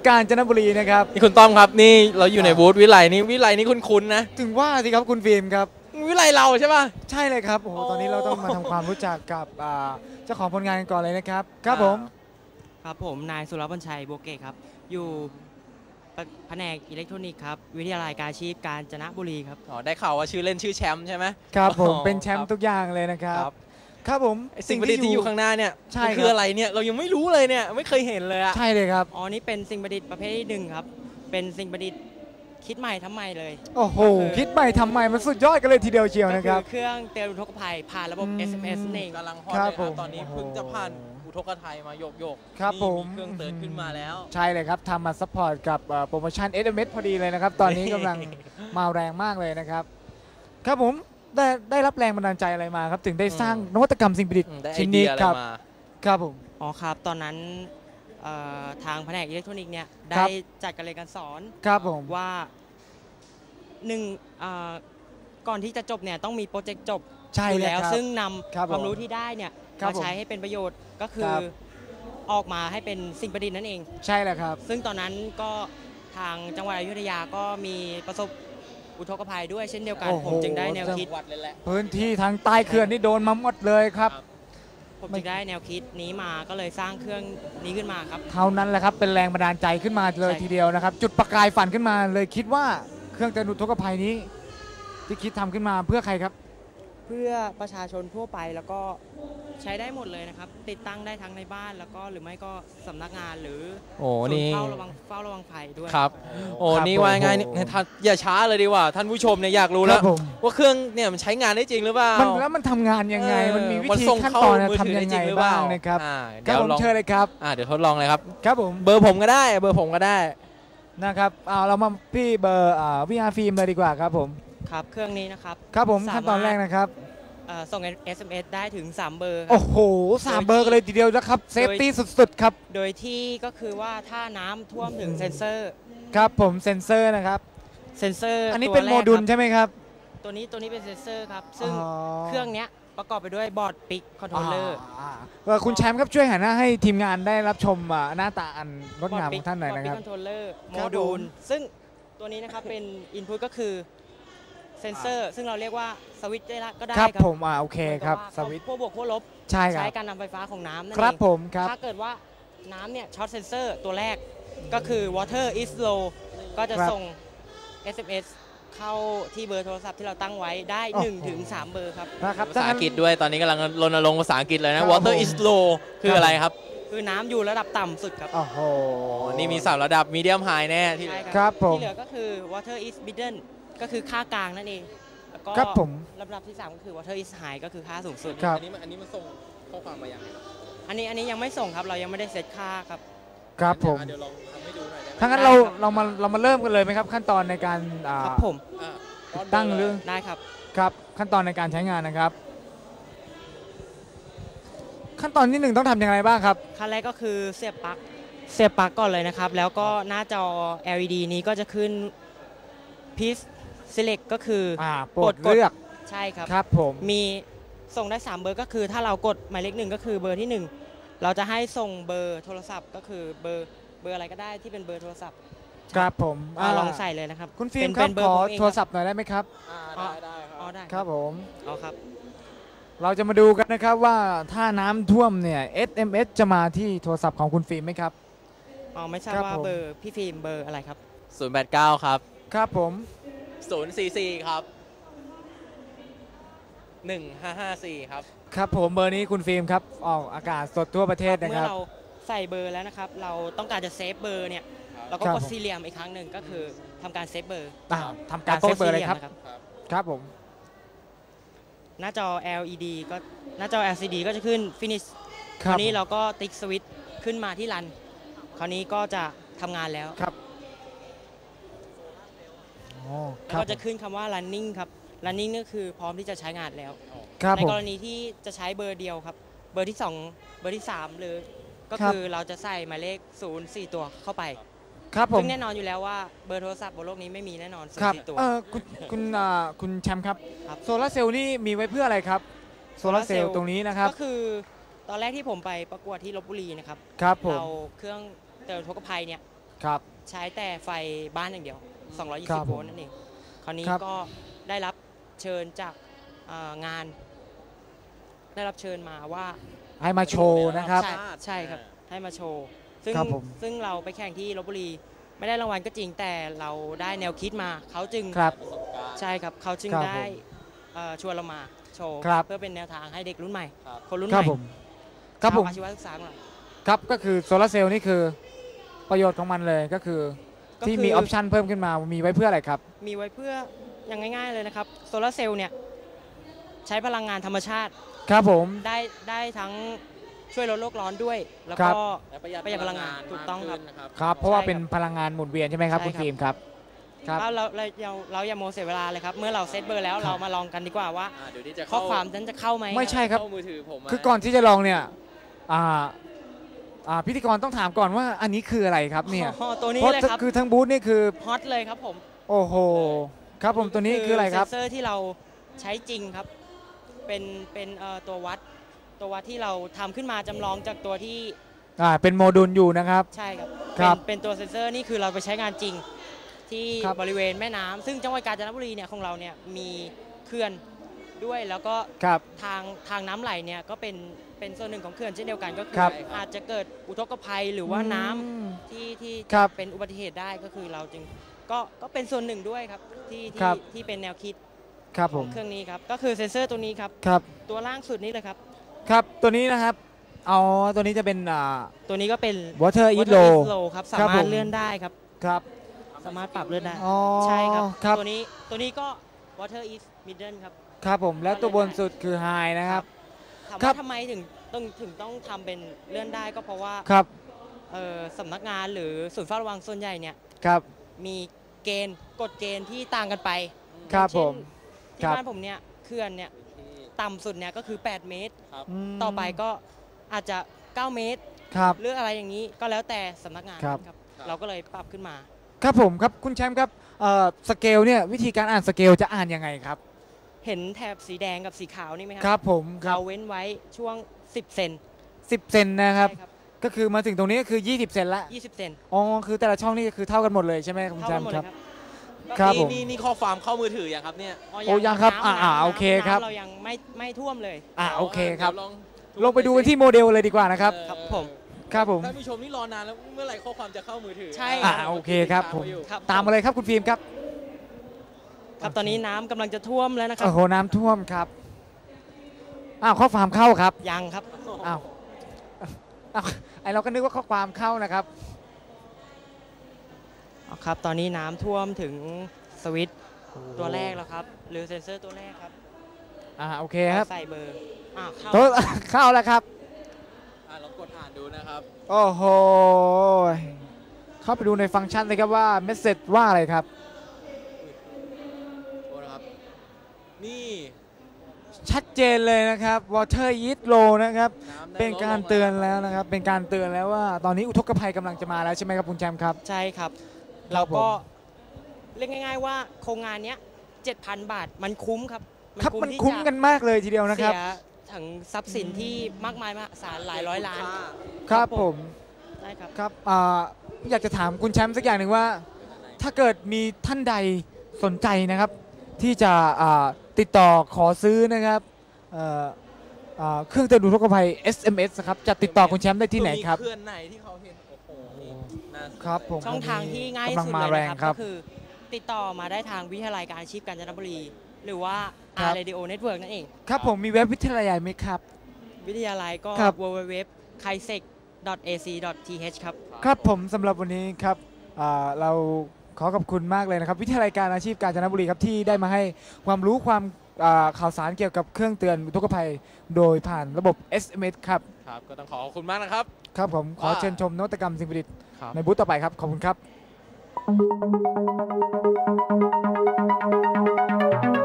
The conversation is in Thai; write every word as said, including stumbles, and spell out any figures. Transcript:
กาญจนบุรีนะครับนี่คุณต้อมครับนี่เราอยู่ในบูธวิไลนี่วิไลนี่คุ้นๆนะถึงว่าสิครับคุณฟิล์มครับวิไลเราใช่ป่ะใช่เลยครับโอ้โหตอนนี้เราต้องมาทำความรู้จักกับเจ้าของผลงานกันก่อนเลยนะครับครับผมครับผมนายสุรบัญชัยบัวเกตครับอยู่แผนกอิเล็กทรอนิกส์ครับวิทยาลัยการอาชีพกาญจนบุรีครับอ๋อได้ข่าวว่าชื่อเล่นชื่อแชมป์ใช่ไหมครับผมเป็นแชมป์ทุกอย่างเลยนะครับครับผมสิ่งประดิษฐ์ที่อยู่ข้างหน้าเนี่ยใช่คืออะไรเนี่ยเรายังไม่รู้เลยเนี่ยไม่เคยเห็นเลยอะใช่เลยครับอ๋อนี่เป็นสิ่งประดิษฐ์ประเภทที่หนึ่งครับเป็นสิ่งประดิษฐ์คิดใหม่ทำใหม่เลยโอ้โหคิดใหม่ทำใหม่มันสุดยอดกันเลยทีเดียวเชียวนะครับเครื่องเตือนอุทกภัยผ่านระบบ เอส เอ็ม เอส เองกำลังฮอตเลยครับตอนนี้เพิ่งจะผ่านอุทกภัยมาโยกโยกครับผมเครื่องเตือนขึ้นมาแล้วใช่เลยครับทำมาซัพพอร์ตกับโปรโมชั่น เอส เอ็ม เอส พอดีเลยนะครับตอนนี้กำลังมาแรงมากเลยนะครับครับผมได้ได้รับแรงบันดาลใจอะไรมาครับถึงได้สร้างนวัตกรรมสิ่งประดิษฐ์ชิ้นนี้ครับครับผมอ๋อครับตอนนั้นทางแผนกอิเล็กทรอนิกส์เนี่ยได้จัดการเรียนการสอนครับผมว่าหนึ่งก่อนที่จะจบเนี่ยต้องมีโปรเจกต์จบใช่แล้วซึ่งนำความรู้ที่ได้เนี่ยมาใช้ให้เป็นประโยชน์ก็คือออกมาให้เป็นสิ่งประดิษฐ์นั่นเองใช่แล้วครับซึ่งตอนนั้นก็ทางจังหวัดอยุธยาก็มีประสบอุทกภัยด้วยเช่นเดียวกันผมจึงได้แนวคิดพื้นที่ทางใต้เขื่อนนี่โดนมาหมดเลยครับผมจึงได้แนวคิดนี้มาก็เลยสร้างเครื่องนี้ขึ้นมาครับเท่านั้นแหละครับเป็นแรงบันดาลใจขึ้นมาเลยทีเดียวนะครับจุดประกายฝันขึ้นมาเลยคิดว่าเครื่องเตือนอุทกภัยนี้ที่คิดทำขึ้นมาเพื่อใครครับเพื่อประชาชนทั่วไปแล้วก็ใช้ได้หมดเลยนะครับติดตั้งได้ทั้งในบ้านแล้วก็หรือไม่ก็สำนักงานหรือโอ้นี่เฝ้าระวังเฝ้าระวังภัยด้วยครับโอ้นี่ว่าไงอย่าช้าเลยดีกว่าท่านผู้ชมเนี่ยอยากรู้แล้วว่าเครื่องเนี่ยมันใช้งานได้จริงหรือเปล่ามันแล้วมันทำงานยังไงมันมีวิธีขั้นตอนทำยังไงบ้างนะครับเดี๋ยวลองเชิญเลยครับเดี๋ยวทดลองเลยครับครับผมเบอร์ผมก็ได้เบอร์ผมก็ได้นะครับเอาเรามาพี่เบอร์วีอาร์ฟิล์มเลยดีกว่าครับผมครับเครื่องนี้นะครับครับผมขั้นตอนแรกนะครับส่ง เอส เอ็ม เอส ได้ถึงสามเบอร์โอ้โหสามเบอร์กันเลยทีเดียวนะครับเซฟตี้สุดๆครับโดยที่ก็คือว่าถ้าน้ำท่วมถึงเซ็นเซอร์ครับผมเซ็นเซอร์นะครับเซ็นเซอร์อันนี้เป็นโมดูลใช่ไหมครับตัวนี้ตัวนี้เป็นเซ็นเซอร์ครับซึ่งเครื่องนี้ประกอบไปด้วยบอร์ดปิกคอนโทรลเลอร์คุณแชมป์ครับช่วยหันหน้าให้ทีมงานได้รับชมหน้าตาอันงดงามของท่านหน่อยนะครับบอร์ดปิกคอนโทรลเลอร์โมดูลซึ่งตัวนี้นะครับเป็นอินพุตก็คือเซนเซอร์ซึ่งเราเรียกว่าสวิตช์ได้ก็ได้ครับผมอ่าโอเคครับสวิตช์พวกบวกพวกลบใช่ครับใช้การนำไฟฟ้าของน้ำนั่นเองครับผมครับถ้าเกิดว่าน้ำเนี่ยช็อตเซนเซอร์ตัวแรกก็คือ water is low ก็จะส่ง เอส เอ็ม เอส เข้าที่เบอร์โทรศัพท์ที่เราตั้งไว้ได้ หนึ่งถึงสาม เบอร์ครับภาษาอังกฤษด้วยตอนนี้กำลังรณรงค์ภาษาอังกฤษเลยนะ water is low คืออะไรครับคือน้ำอยู่ระดับต่ำสุดครับโอ้โหนี่มีสามระดับ medium high แน่ที่ครับผมที่เหลือก็คือ water is middle ก็คือค่ากลางนั่นเองครับผมลำดับที่สามก็คือ water is high ก็คือค่าสูงสุดอันนี้อันนี้มันส่งข้อความมาอย่างไรอันนี้อันนี้ยังไม่ส่งครับเรายังไม่ได้เซตค่าครับครับผมเดี๋ยวลองทำให้ดูหน่อยได้ไหมถ้างั้นเราเรามาเรามาเริ่มกันเลยไหมครับขั้นตอนในการครับผมตั้งเรื่องได้ครับครับขั้นตอนในการใช้งานนะครับขั้นตอนที่หนึ่งต้องทำอย่างไรบ้างครับขั้นแรกก็คือเสียบปลั๊กเสียบปลั๊กก่อนเลยนะครับแล้วก็หน้าจอ แอล อี ดี นี้ก็จะขึ้น Please Select ก็คือโปรดเลือกใช่ครับครับผมมีส่งได้สามเบอร์ก็คือถ้าเรากดหมายเลขหนึ่งก็คือเบอร์ที่หนึ่งเราจะให้ส่งเบอร์โทรศัพท์ก็คือเบอร์เบอร์อะไรก็ได้ที่เป็นเบอร์โทรศัพท์ครับผมลองใส่เลยนะครับคุณฟิล์มครับขอโทรศัพท์หน่อยได้ไหมครับได้ได้ครับอ๋อได้ครับผมอ๋อครับเราจะมาดูกันนะครับว่าถ้าน้ำท่วมเนี่ย เอส เอ็ม เอส จะมาที่โทรศัพท์ของคุณฟิล์มไหมครับอ๋อไม่ทราบว่าเบอร์พี่ฟิล์มเบอร์อะไรครับศูนย์แปดเก้าครับครับผมศูนย์สี่สี่ครับหนึ่งห้าห้าสี่ครับครับผมเบอร์นี้คุณฟิล์มครับออกอากาศสดทั่วประเทศนะครับเมื่อเราใส่เบอร์แล้วนะครับเราต้องการจะเซฟเบอร์เนี่ยเราก็กดสี่เหลี่ยมอีกครั้งหนึ่งก็คือทำการเซฟเบอร์ทำการเซฟเบอร์เลยครับครับผมหน้าจอ แอล อี ดี ก็หน้าจอ แอล ซี ดี ก็จะขึ้น Finish คราวนี้เราก็ติ๊กสวิตช์ขึ้นมาที่รันคราวนี้ก็จะทำงานแล้วครับแล้วก็จะขึ้นคำว่า running ครับ running นี่คือพร้อมที่จะใช้งานแล้วในกรณีที่จะใช้เบอร์เดียวครับเบอร์ที่สองเบอร์ที่สามหรือก็คือเราจะใส่หมายเลขศูนย์ สี่ตัวเข้าไปครับผมซึ่งแน่นอนอยู่แล้วว่าเบอร์โทรศัพท์บนโลกนี้ไม่มีแน่นอนศูนย์ สี่ตัวคุณคุณคุณแชมป์ครับโซลาร์เซลล์นี่มีไว้เพื่ออะไรครับโซลาร์เซลล์ตรงนี้นะครับก็คือตอนแรกที่ผมไปประกวดที่ลพบุรีนะครับครับผมเราเครื่องเตือนอุทกภัยเนี่ยครับใช้แต่ไฟบ้านอย่างเดียว สองร้อยยี่ครัสิบบโวลต์นั่นเอง คราวนี้ครับก็ได้รับเชิญจากอ่างาน ได้รับเชิญมาว่าให้มาโชว์นะครับใช่ใช่ครับ ให้มาโชว์ ซึ่งครับผมซึ่งเราไปแข่งที่ลพบุรี ไม่ได้รางวัลก็จริงแต่เราได้แนวคิดมา เขาจึงครับประสบการณ์ใช่ครับ เขาจึงครับได้ผมเอ่อชวนเรามาโชว์ครับเพื่อเป็นแนวทางให้เด็กรุ่นใหม่ครับคนรุ่นคใหรับม่ผมครับผมชาวอาชีวศึกษาของเราครับก็คือโซลาร์เซลล์นี่คือประโยชน์ของมันเลยก็คือก็ที่คือมีออปชันเพิ่มขึ้นมามีไว้เพื่ออะไรครับมีไว้เพื่ออย่างง่ายๆเลยนะครับ โซลาร์เซลล์เนี่ยใช้พลังงานธรรมชาติครับผมได้ได้ทั้งช่วยลดโลกร้อนด้วย แล้วครัก็บและประหยัดประหยัดพลังงานมถูกต้องครับขึ้นนะครับครับเพราะว่าใช่ครับเป็นพลังงานหมุนเวียนใช่ไหมครับใช่คุณครับฟิล์มครับครับเราเราเราเราอย่าโมเสียเวลาเลยครับ เมื่อเราเซตเบอร์แล้วครับเรามาลองกันดีกว่าว่าอ่าเดี๋ยวนี้จะข้อเข้าความนั้นจะเข้าไหมไม่ใช่ครับเข้ามือถือผมะคือก่อนที่จะลองเนี่ยอ่าอ่าพิธีกรต้องถามก่อนว่าอันนี้คืออะไรครับเนี่ยอ๋อตัวนี้เพราะเลยครับคือทั้งบูธนี่คือฮอตเลยครับผมโอ้โหครับผมตัวนี้คืออะไรครับเซนเซอร์ที่เราใช้จริงครับ เป็นเป็นเอ่อตัววัด ตัววัดที่เราทำขึ้นมาจำลองจากตัวที่อ่าเป็นโมดูลอยู่นะครับใช่ครับครับเป็นเป็นตัวเซนเซอร์นี่คือเราไปใช้งานจริง ที่ครับบริเวณแม่น้ำซึ่งจังหวัดกาญจนบุรีเนี่ยของเราเนี่ยมีเขื่อนด้วยแล้วก็ครับทางทางน้ำไหลเนี่ยก็เป็นเป็นส่วนหนึ่งของเขื่อนเช่นเดียวกันก็คืครับอาจจะเกิดอุทกภัยหรือว่าน้ำอืมที่ที่ครับเป็นอุบัติเหตุได้ก็คือเราจึงก็ก็เป็นส่วนหนึ่งด้วยครับที่ครัที่บที่เป็นแนวคิดครับขผองมเครื่องนี้ครับก็คือเซนเซอร์ตัวนี้ครับครับตัวล่างสุดนี้เลยครับครับตัวนี้นะครับเอาตัวนี้จะเป็นอ่าตัวนี้ก็เป็น water eat Water low is low ครับสาครับมารผถมเลื่อนได้ครับครับสามารถปรับเลื่อนได้อ๋อใช่ครับครับตัวนี้ตัวนี้ก็ water is middle ครับครับผมแล้วตัวบนสุดคือ high นะครับถามครับว่าทำไมถึงต้องถึงต้องทำเป็นเลื่อนได้ก็เพราะว่าครับเอ่อสำนักงานหรือศูนย์เฝ้าระวังส่วนใหญ่เนี่ยครับมีเกณฑ์กฎเกณฑ์ที่ต่างกันไปครับเช่นผมที่ครับบ้านผมเนี่ยเขื่อนเนี่ยต่ำสุดเนี่ยก็คือ แปด เมตรมต่อไปก็อาจจะ เก้า เมตรครับหรืออะไรอย่างนี้ก็แล้วแต่สำนักงานครับครับเราก็เลยปรับขึ้นมาครับผมครับคุณแชมป์ครับเอ่อสเกลเนี่ยวิธีการอ่านสเกลจะอ่านยังไงครับเห็นแถบสีแดงกับสีขาวนี่ไหมคครัรับผมครัเราบเว้นไว้ช่วง สิบ เซนสิบเซนนะครับใช่ครับก็คือมาถึงตรงนี้ก็คือ ยี่สิบ เซนละยี่สิบ เซนอ๋อคือแต่ละช่องนี่คือเท่ากันหมดเลยใช่ไหมคุณเท่าแชกัมนหมป์ดคเลรับยครับครับนี่ผมนี่นี่ข้อความเข้ามือถือยังครับเนี่ยอ๋อโอ้ยังครับน้ำอ่าอ่าน้ำโอเคครับน้ำเรายังไม่ไม่ท่วมเลยอ่าโอเคครับดี๋ยวลองลงไปดูกันที่โมเดลเลยดีกว่านะครับเออครับผมครับผมท่านผู้ชมนี่รอนานแล้วเมื่อไหร่ข้อความจะเข้ามือถือใช่อ่าโอเคครับผมครับตามมาเลยครับคุณฟิล์มครับครับตอนนี้น้ำกำลังจะท่วมแล้วนะครัโอ้บโหน้ำท่วมครับอ้าวข้อความเข้าครับยังครับอ้าวอ้าวไอเราก็นึกว่าข้อความเข้านะครับเอาครับ ตอนนี้น้ำท่วมถึงสวิตช์ตัวแรกแล้วครับ หรือเซ็นเซอร์ตัวแรกครับอ่าโอเคครับใส่เบอร์อ่าเข้าโต๊ะ เข้าแล้วครับอ่ะลองกดอ่านดูนะครับโอ้โห เข้าไปดูในฟังก์ชันเลยครับว่าเมสเซจว่าอะไรครับโทษนะครับ นี่ชัดเจนเลยนะครับ water is low นะครับน้ำได้เป็นการลดลงเตือนแล้วนะครับ เป็นการเตือนแล้วว่า ตอนนี้อุทกภัยกำลังจะมาแล้วใช่ไหมครับคุณแชมป์ครับใช่ครับครัเราบผมก็เรียกง่าย ๆ ว่าโครงงานเนี้ยเจ็ดพัน บาทมันคุ้มครับครับมันที่คุ้มจะกันมากเลยทีเดียวนะครับเสียถึงทรัพย์สินที่มากมายมหาศาลหลายร้อยล้านครับผมใช่ครับครับอ่าอยากจะถามคุณแชมป์สักอย่างหนึ่งว่า ถ้าเกิดมีท่านใดสนใจนะครับ ที่จะอ่าติดต่อขอซื้อนะครับเอ่ออ่าเครื่องเตือนอุทกภัย เอส เอ็ม เอส ครับจะติดต่อคุณแชมป์ได้ที่ไหนครับมีเคลื่อนไหนที่เขาเห็น โอ้โหนี่น่าสนใจครับผมช่องทางที่ง่ายที่กำลังสุดมาเลยแรงนะคครัรับ ก็คือ ติดต่อมาได้ทางวิทยาลัยการอาชีพกาญจนบุรี หรือว่าครัอาบร์ Radio Network นั่นเองครับผมมีเว็บวิทยาลัยไหมครับวิทยาลัยก็ครับดับเบิลยู ดับเบิลยู ดับเบิลยู ดอท ไคเซก ดอท เอ ซี ดอท ที เอช ครับครับผมสำหรับวันนี้ครับอ่าเราขอขอบคุณมากเลยนะครับ วิทยาลัยการอาชีพกาญจนบุรีครับที่ได้มาให้ความรู้ความอ่าข่าวสารเกี่ยวกับเครื่องเตือนอุทกภัย โดยผ่านระบบ เอส เอ็ม เอส ครับครับ ก็ต้องขอขอบคุณมากนะครับครับผมขอว่าเชิญชมนวัตกรรมสิ่งประดิษฐ์ครับในบูธต่อไปครับ ขอบคุณครับ